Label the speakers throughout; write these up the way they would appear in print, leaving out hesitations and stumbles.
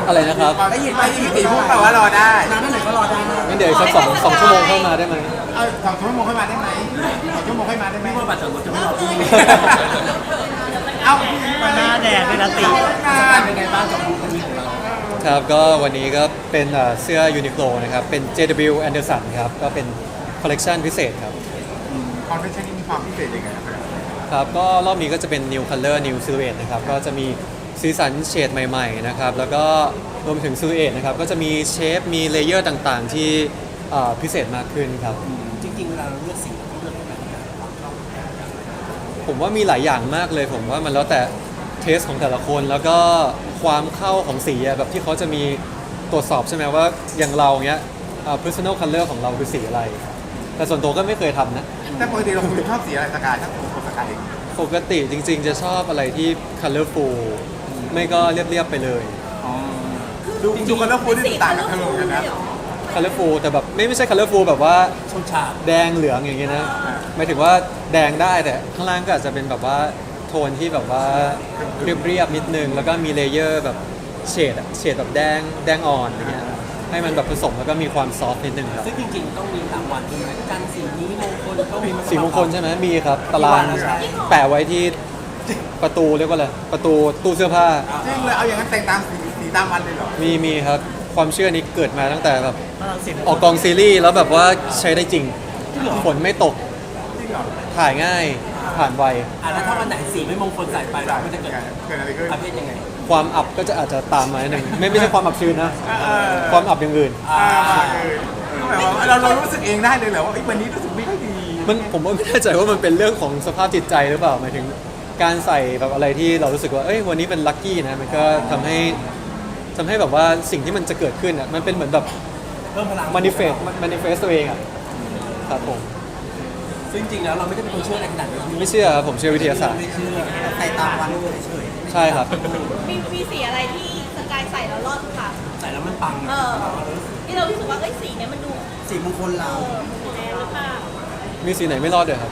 Speaker 1: อะไรนะครับ
Speaker 2: ได้ยินตีพูดแปลว่ารอได้
Speaker 3: นานเท่าไหร่ก็รอได้นะ
Speaker 1: งั้นเดี๋ยวอีกสักสองชั่วโมงเข้ามาได้ไหม
Speaker 2: เอา2 ชั่วโมงค่อยมาได้ไหม2 ชั่วโมงค่อยมาได้ไหม
Speaker 3: พี่ว่าบัตรสมรสจะไม่รอพี่
Speaker 2: เอา
Speaker 3: มาหน้าแดดด้วยนะตีเป็นไงบ้างกับบูธนี้ของเรา
Speaker 1: ครับก็วันนี้ก็เป็นเสื้อ Uniqlo นะครับเป็น JW Anderson ครับก็เป็นคอลเลกชันพิเศษครับ
Speaker 2: คอนเฟนชั่นนี้มีความพิเศษยังไงครับ
Speaker 1: ครับก็รอบนี้ก็จะเป็น New Color New Silhouette นะครับก็จะมีสีสันเฉดใหม่ๆนะครับแล้วก็รวมถึง Silhouette นะครับก็จะมีเชฟมีเลเยอร์ต่างๆที่พิเศษมากขึ้นครับ
Speaker 3: จริงๆเวลาเราเลือกสีเราต้องเลือกแบบไหน
Speaker 1: ผมว่ามีหลายอย่างมากเลยผมว่ามันแล้วแต่เทสของแต่ละคนแล้วก็ความเข้าของสีอะแบบที่เขาจะมีตรวจสอบใช่ไหมว่าอย่างเราเนี้ยpersonal color ของเราคือสีอะไร แต่ส่วนตัวก็ไม่เคยทำนะ
Speaker 2: แต่ปกติเราคุยชอบสีอะไรสกายถ้าตัวสกายเอง
Speaker 1: ปกติจริงๆจะชอบอะไรที่ colorful ไม่ก็เรียบๆไปเลย
Speaker 2: ดูกันแล้วฟูที่ต่างกันทั้งโลกกันนะ
Speaker 1: colorful แต่แบบไม่ใช่ colorful แบบว่า
Speaker 3: ชนฉาก
Speaker 1: แดงเหลืองอย่างเงี้ยนะหมายถึงว่าแดงได้แต่ข้างล่างก็อาจจะเป็นแบบว่าโทนที่แบบว่าเรียบๆนิดนึงแล้วก็มีเลเยอร์แบบเฉดแบบแดงอ่อนอย่างเงี้ยให้มันแบบผสมแล้วก็มีความซอฟต์นิดนึงครับ
Speaker 3: ซึ่งจริงๆต้องมีรางวัลด้วยไหมกันสีนี้มงคลต้องมี
Speaker 1: สีมงคลใช่ไหมมีครับตารางแปะไว้ที่ประตูเรียกว่าอะไรประตูตู้เสื้อผ้า
Speaker 2: จริงเลยเอาอย่างนั้นแต่งตามสีตามวันเลยเหรอ
Speaker 1: มีครับความเชื่อนี้เกิดมาตั้งแต่แบบ
Speaker 3: พลังเสียง
Speaker 1: ออกกองซีรีส์แล้วแบบว่าใช้ได้จริงฝนไม่ตก
Speaker 2: จริงเหรอ
Speaker 1: ถ่ายง่ายผ่านไว
Speaker 3: แล้วถ้าวันไหนสีไม่มงคลใส่ไปเราก็จะเกิด
Speaker 2: เกิดอะไรขึ้น
Speaker 3: ประเภทยังไง
Speaker 1: ความอับก็จะอาจจะตามมาหนึ่งไม่ใช่ความอับชื้นนะ ความอับอย่างอื่น
Speaker 2: แบบว่าเรารู้สึกเองได้เลยเหรอว่าวันนี้รู้สึกไม่ค่อยดี
Speaker 1: ผมว่าไม่แน่ใจว่ามันเป็นเรื่องของสภาพจิตใจหรือเปล่าหมายถึงการใส่แบบอะไรที่เรารู้สึกว่าเอ้ยวันนี้เป็นลัคกี้นะมันก็ทำให้แบบว่าสิ่งที่มันจะเกิดขึ้นอ่ะมันเป็นเหมือนแบบ
Speaker 3: เพิ่มพลัง
Speaker 1: manifest ตัวเองอ่ะครับผม
Speaker 3: ซึ่งจริงๆแล้วเราไม่ได้เป็นคนเชื่ออะไรขนาดนี้
Speaker 1: ไม่เชื่อครับผมเชื่อวิทยาศาสตร์
Speaker 3: ไม่เชื่อใส่ตามวันเฉย
Speaker 1: ใช่ครับ
Speaker 4: มีสีอะไรที่สกายใส่แล้วรอดทุกครั้ง
Speaker 3: ๆใส่แล้วมันปัง
Speaker 4: ที่เรารู้สึกว่าเอ้ยสีเนี้ยมันดู
Speaker 3: สีมงคลเรา
Speaker 4: แน่หรือเปล่า
Speaker 1: มีสีไหนไม่รอดเด้อครับ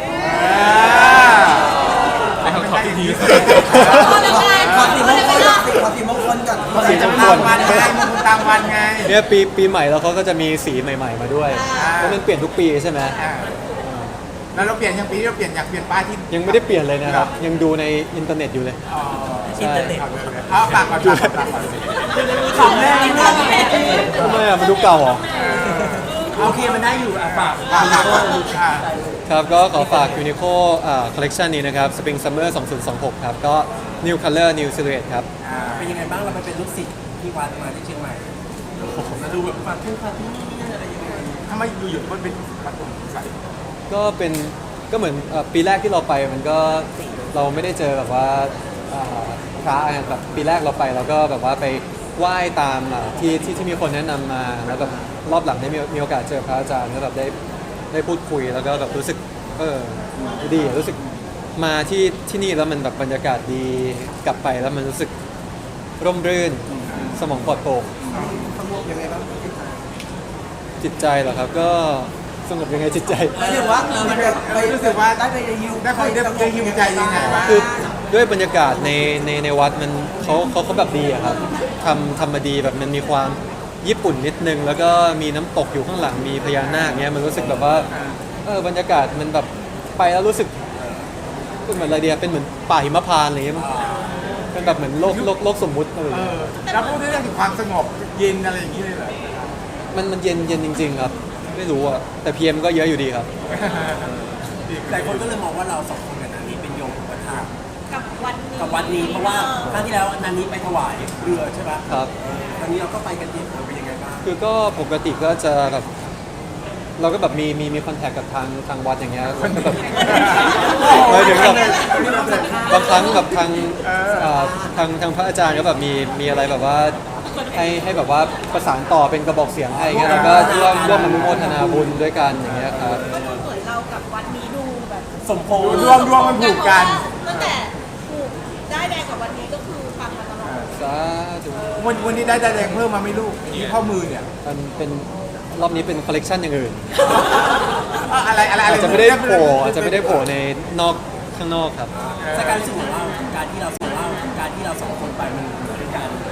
Speaker 2: ให้เขาตอบที่ดี
Speaker 4: ขอสีมงคลขอสีมงคล
Speaker 3: ขอสีมงคลก่อน
Speaker 1: สีมงคล
Speaker 2: ตามวันไงมึงตามวันไง
Speaker 1: เนี่ยปีใหม่แล้วเขาก็จะมีสีใหม่ ๆมาด้วยเพราะมันเปลี่ยนทุกปีใช่ไหม
Speaker 2: แล้วเราเปลี่ยนยังปีนี้เราเปลี่ยนอยากเปลี่ยนป้ายที่
Speaker 1: ยังไม่ได้เปลี่ยนเลยนะครับยังดูในอินเทอร์เน็ตอยู่เลย
Speaker 3: อินเทอร์เน็ต
Speaker 2: เอาปากก่อนปากก่อน
Speaker 3: ของแม่นี่นะ
Speaker 1: ทำไมอ่ะมันดูเก่าเหรอ
Speaker 3: โอเคมันได้อยู่ฝาก
Speaker 2: ปากก่อน
Speaker 1: ครับก็ขอฝาก Uniqlo collection นี้นะครับ Spring Summer 2026 ครับก็ New Color New Silhouette ครับ
Speaker 3: เป็นยังไงบ้างเราไปเป็นลูกศิษย์ที่วัดมาที่เชียงใหม่มาดูแบบฟังทุ่งฟังที่นี่อะไรยังไง
Speaker 2: ทำไมอยู่ๆมันเป็นปฐมใส่
Speaker 1: ก็เหมือนปีแรกที่เราไปมันก็เราไม่ได้เจอแบบว่าพระแบบปีแรกเราไปเราก็แบบว่าไปไหว้ตามที่มีคนแนะนำมาแล้วแบบรอบหลังได้มีโอกาสเจอพระอาจารย์แล้วแบบได้พูดคุยแล้วก็แบบรู้สึกดีรู้สึกมาที่นี่แล้วมันแบบบรรยากาศดีกลับไปแล้วมันรู้สึกร่มรื่นสมองปลอดโปร่ง
Speaker 3: สงบยังไงบ้าง
Speaker 1: จิตใจเหรอครับก็สงบยังไงจิตใจ
Speaker 3: หมายถึงว่ามันแบบไป
Speaker 2: รู้สึกว่า
Speaker 3: ได้ไปฮิว
Speaker 2: ได้ไปได้ฮิวใจยังไงวะ
Speaker 1: คือด้วยบรรยากาศในวัดมันเขาแบบดีอะครับทำมาดีแบบมันมีความญี่ปุ่นนิดนึง แล้วก็มีน้ำตกอยู่ข้างหลังมีพญานาคเงี้ยมันรู้สึกแบบว่าบรรยากาศมันแบบไปแล้วรู้สึกเป็นเหมือนอะไรเดียเป็นเหมือนป่าหิมพานต์อะไรเงี้ยมั้งเป็นแบบเหมือนโลกสมมุติอะไรอย่างเงี้ย
Speaker 2: แล้วพูดเรื่องถึงความสงบเย็นอะไรอย่างนี้เลยเหรอ
Speaker 1: มันเย็นจริง ๆ ครับ ไม่รู้อะแต่พีเอ็มก็เยอะอยู่ดีครับ
Speaker 3: หลายคนก็เลยมองว่าเราสองคนกับนันนี้เป็นโยมอุปถาก
Speaker 4: กับวันนี้
Speaker 3: กับวัดนี้เพราะว่าครั้งที่แล้วนันนี้ไปถวายเรือใช่ไหม
Speaker 1: ครับ
Speaker 3: ครั้งนี้เราก็ไปกันเยอะเป็นยังไงบ้าง
Speaker 1: คือก็ปกติก็จะแบบเราก็แบบมีคอนแทคกับทางวัดอย่างเงี้ยแล้วก็แบบหมายถึงแบบบางครั้งแบบทางพระอาจารย์ก็แบบมีอะไรแบบว่าให้แบบว่าประสานต่อเป็นกระบอกเสียงให้เงี้ยแล้วก็ร่วมอนุโมทนาบุญด้วยกันอย่างเงี้ยครับ
Speaker 4: ก็ดูเหมือนเรากับวันนี้ดูแบบ
Speaker 3: สมพงษ์
Speaker 2: รวมมันผูกกัน
Speaker 4: ตั้งแต่ถูกได้แดงกับวันนี้ก็คือฟังมาตลอด
Speaker 1: สาธุ
Speaker 2: วันนี้ได้แดงเพิ่มมาไม่ลูกที่ข้อมือเนี่ย
Speaker 1: มันเป็นรอบนี้เป็นคอลเลกชันอย่างอื่น
Speaker 2: อะไร
Speaker 1: อาจจะไม่ได้โผล่ในข้างนอกครับ
Speaker 3: สกายรู้สึกเหมือนว่าการที่เราสองคนไปมันเป็นการน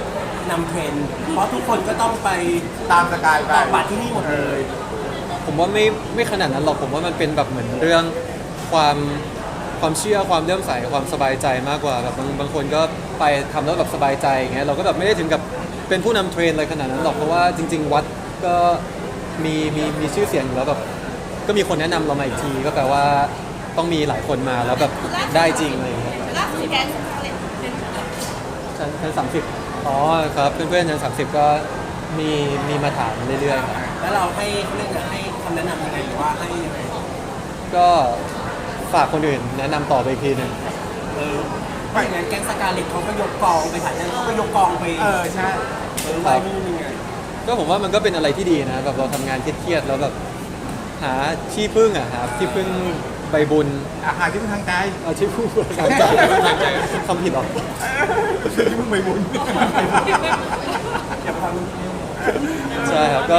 Speaker 3: นำเทรนด์เพราะทุกคนก็ต้องไป
Speaker 2: ตามสกายไป
Speaker 3: ต่อบัตรที่นี่หมดเลย
Speaker 1: ผมว่าไม่ขนาดนั้นหรอกผมว่ามันเป็นแบบเหมือนเรื่องความเชื่อความเลื่อมใสความสบายใจมากกว่าแบบบางคนก็ไปทำแล้วแบบสบายใจอย่างเงี้ยเราก็แบบไม่ได้ถึงกับเป็นผู้นำเทรนอะไรขนาดนั้นหรอกเพราะว่าจริง ๆ วัดก็มีชื่อเสียงอยู่แล้วแบบก็มีคนแนะนำเรามาอีกทีก็แปลว่าต้องมีหลายคนมาแล้วแบบได้จริงอะไรอย่างเงี้ย
Speaker 4: ล่าสุดแกงอะไรเป็น
Speaker 1: ชั้น30อ๋อครับเพื่อนๆชั้น30ก็มีมาถามเรื่อยๆครับ
Speaker 3: แล้วเราให้เขาเรียกอะไรให้คำแนะนำยังไงหรือว่าให้ยังไง
Speaker 1: ก็ฝากคนอื่นแนะนำต่อไปอีกทีหนึง
Speaker 3: เพราะอย่างนั้นแก๊งสกาเล็ตเขาก็ยกกองไปถ่ายนั้นเขาก็ยกกองไป
Speaker 2: ใช่
Speaker 3: ไหวนู่นนี่ไง
Speaker 1: ก็ผมว่ามันก็เป็นอะไรที่ดีนะแบบเราทำงานเครียดๆแล้วแบบหาที่พึ่งอ่ะหาที่พึ่งใบบุญ
Speaker 2: อาหารที่เป็นทางใจ
Speaker 1: เอาที่พึ่งทางใจคำผิดหรอ
Speaker 2: ที่มึงไปบุญ
Speaker 3: อย่าพอรู้
Speaker 1: ใช่ครับก็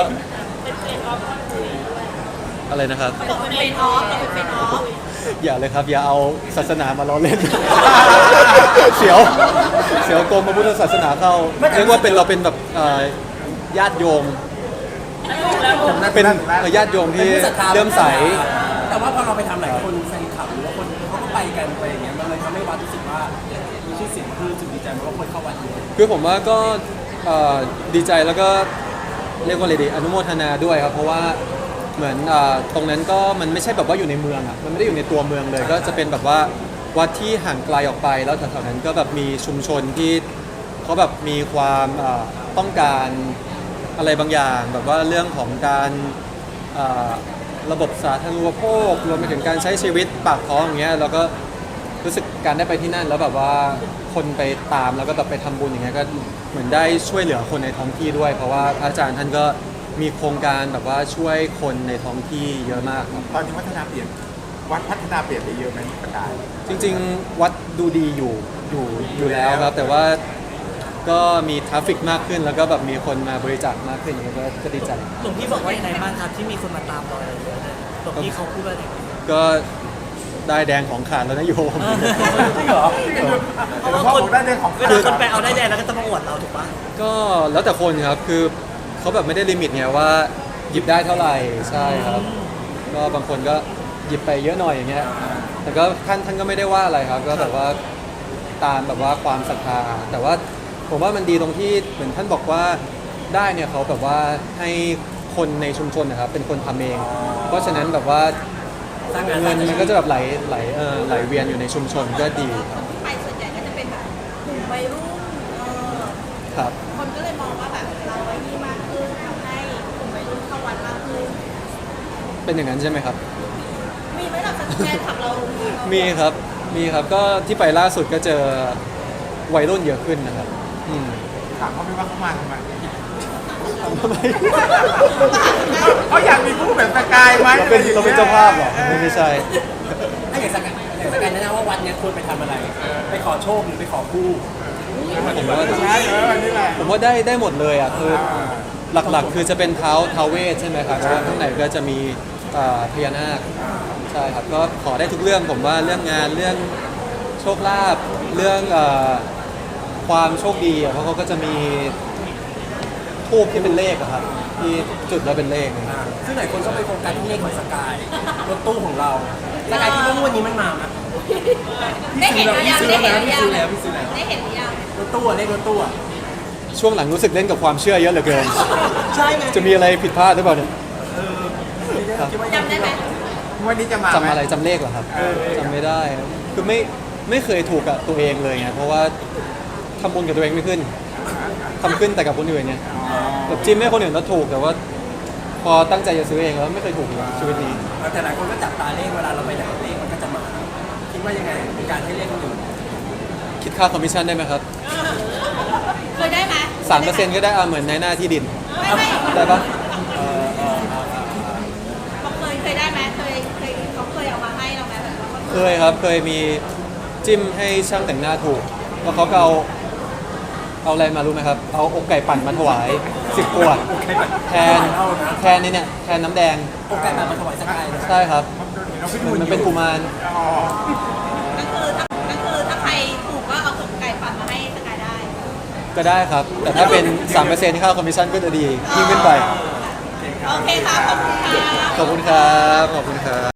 Speaker 1: อะไรนะครับ
Speaker 4: ตกเป็นออฟตกเป็นออฟ
Speaker 1: อย่าเลยครับ อย่าเอาศาสนามาล้อเล่น เสียวโกงพระพุทธศาสนาเข้าเรียกว่าเป็นเราเป็นแบบญาติโยมเป็นญาติโยมที่เลื่อมใส
Speaker 3: แต่ว่าพอเราไปทำหลายคนแฟนคลับหรือว่าคนเขาก็ไปกันไปอย่างเงี้ยมันเลยทำให้วัดรู้สึกว่ามีชื่อเสียงคือรู้สึกดีใจเพราะว่าคนเข้าวัดเยอะ
Speaker 1: คือผมว่าก็ดีใจแล้วก็เรียกว่าอะไรดีอนุโมทนาด้วยครับเพราะว่าเหมือนตรงนั้นก็มันไม่ใช่แบบว่าอยู่ในเมืองอ่ะมันไม่ได้อยู่ในตัวเมืองเลย ก็จะเป็นแบบว่าวัดที่ห่างไกลออกไปแล้วแถวๆนั้นก็แบบมีชุมชนที่เขาแบบมีความต้องการอะไรบางอย่าง แบบว่าเรื่องของการระบบสาธารณูปโภครวมไปถึงการใช้ชีวิตปากท้องอย่างเงี้ยแล้วก็รู้สึกการได้ไปที่นั่นแล้วแบบว่าคนไปตามแล้วก็แบบไปทำบุญอย่างเงี้ยก็เหมือนได้ช่วยเหลือคนในท้องที่ด้วย เพราะว่าพระอาจารย์ท่านก็มีโครงการแบบว่าช่วยคนในท้องที่เยอะมากครับ
Speaker 2: ตอนนี้วัฒนาเปลี่ยนวัดพัฒนาเปลี่ยนไปเยอะไหมสกาย
Speaker 1: จริงๆวัดดูดีอยู่แล้วครับ แต่ว่าก็มีทราฟฟิกมากขึ้นแล้วก็แบบมีคนมาบริจาคมากขึ้นอย่างเงี้ยก็ดีใจ
Speaker 5: หลวงพี่บอกว่ายังไงบ้างครับที่มีคนมาตามเราอะไรเยอะเลยหลวงพี่เขาพูดว่าอะไร
Speaker 1: ก็ได้แดงของขาดแล้วนะโยม
Speaker 3: จริงเหรอ
Speaker 5: เพราะว่า
Speaker 2: พ่อ
Speaker 5: คน
Speaker 2: บอกได้เรื่องของ
Speaker 5: เวลาคนไปเอาได้แดงแล้วก็จะมาอวดเราถูกปะ
Speaker 1: ก็แล้วแต่คนครับคือเขาแบบไม่ได้ลิมิตไงว่าหยิบได้เท่าไหร่ใช่ครับ ก็บางคนก็หยิบไปเยอะหน่อยอย่างเงี้ยแต่ก็ท่านก็ไม่ได้ว่าอะไรครับ ก็แบบว่าตามแบบว่าความศรัทธาแต่ว่าผมว่ามันดีตรงที่เหมือนท่านบอกว่าได้เนี่ยเขาแบบว่าให้คนในชุมชนนะครับเป็นคนทำเอง เพราะฉะนั้นแบบว่า
Speaker 3: สร้างงาน
Speaker 1: เงินมันก็จะแบบไหลเวียนอยู่ในชุมชนก็ดี
Speaker 4: ที่ไปส่วนใหญ่ก็จะเป็นแบบกลุ่มวัยรุ่น
Speaker 1: ครับ
Speaker 4: คนก็เลยมองว่าแบบเราไอ้นี่มากขึ้นทำให้กลุ่มวัยรุ่นเข้าวัดมากขึ้น
Speaker 1: เป็นอย่างนั้นใช่ไหมครับ
Speaker 4: มีไหมล่ะแฟนขับเรา
Speaker 1: มีครับก็ที่ไปล่าสุดก็เจอวัยรุ่นเยอะขึ้นนะครับอืม
Speaker 2: ถามเขาไม่ว่าเขามาทำไม
Speaker 1: ทำไม
Speaker 2: เขาอยากมีผู้แบบสกายไหม
Speaker 1: เราเป็นเจ้าภาพเหรอไม่ใช่
Speaker 3: ถ้าอย่างสกายแนะนำว่าวัดเนี้ยควรไปทำอะไร ไปขอโชคหรือไปขอคู่
Speaker 1: ผมว่า
Speaker 2: ใช่อันนี้แหละ
Speaker 1: ผมว่าได้หมดเลยอ่ะคือหลักๆ คือจะเป็นท้าวเวทใช่ไหมครับแล้วข้างในก็จะมีพญานาคใช่ครับก็ขอได้ทุกเรื่องผมว่าเรื่องงานเรื่องโชคลาภเรื่องความโชคดีอะเพราะเขาก็จะมีทูบที่เป็นเลขอะครับที่จุดแล้วเป็นเลขเนี่ย
Speaker 3: ซึ่งหลายคนก็ไปโฟกัสที่เลขของสกายรถตู้ของเราสกายคิดว่างวันนี้มันมาไหม
Speaker 4: ได้เห็นหรือยัง
Speaker 3: พี่
Speaker 4: ได้
Speaker 3: ซื้อ
Speaker 4: เห็น
Speaker 3: แล้ว
Speaker 4: หรือ
Speaker 3: พี่
Speaker 4: ยัง
Speaker 3: ซื้อแล้ว
Speaker 4: ได้เห็นหรือยัง
Speaker 3: รถตู้อะเลขรถตู้อะ
Speaker 1: ช่วงหลังรู้สึกเล่นกับความเชื่อเยอะเหลือเกิน
Speaker 3: ใช่ไง
Speaker 1: จะมีอะไรผิดพลาดหรือเปล่าเนี่ย
Speaker 3: คิดว่า
Speaker 4: จำได้ไหม
Speaker 2: วันนี้จะมา
Speaker 1: จำอะไรจำเลขเหรอครับจำไม่ได้ครับคือไม่เคยถูกกับตัวเองเลยไงเพราะว่าทำบุญกับตัวเองไม่ขึ้นทำขึ้นแต่กับคนอื่นเนี่ยแบบจิ้มให้คนอื่นแล้วถูกแต่ว่า พอตั้งใจจะซื้อเองแล้วไม่เคยถูกเลยชีวิตนี้
Speaker 3: แต่หลายคนก็จับตาเลขเวลาเราไปไหนเลขมันก็จะมา คิดว่ายังไงเป็นการให้เลขคนอื่น
Speaker 1: คิดค่าคอมมิชชั่นได้ไหมครับ
Speaker 4: เคยได้ไหม
Speaker 1: 3%ก็ได้เหมือนในหน้าที่ดิน
Speaker 4: ไม่
Speaker 1: ได้ปะ
Speaker 4: เขาเคยได้ไหมเขาเคยเอามาให้เราไหมแบบว่า
Speaker 1: เคยครับเคยมีจิ้มให้ช่างแต่งหน้าถูกแล้วเขาก็เอาอะไรมารู้ไหมครับ เอาอกไก่ปั่นมาถวาย10 ขวดแทนนี่เนี่ยแทนน้ำแดง
Speaker 3: โอกาสมาถวายสกายนะ
Speaker 1: ใช่ครับ
Speaker 2: เราไป
Speaker 1: เห
Speaker 2: ดู
Speaker 1: มือนมันเป็นกุมาร
Speaker 2: อ๋อ
Speaker 4: ก็คือถ้าใครถูกก็เอากบไก่ปั่นมาให้สกายได้
Speaker 1: ก็ได้ครับ แต่ถ้าเป็น 3%ค่าคอมมิชชั่นก็จะดียิ่งขึ้นไป
Speaker 4: โอเคค่ะ ขอบคุณค่ะ
Speaker 1: ขอบคุณครับขอบคุณครับ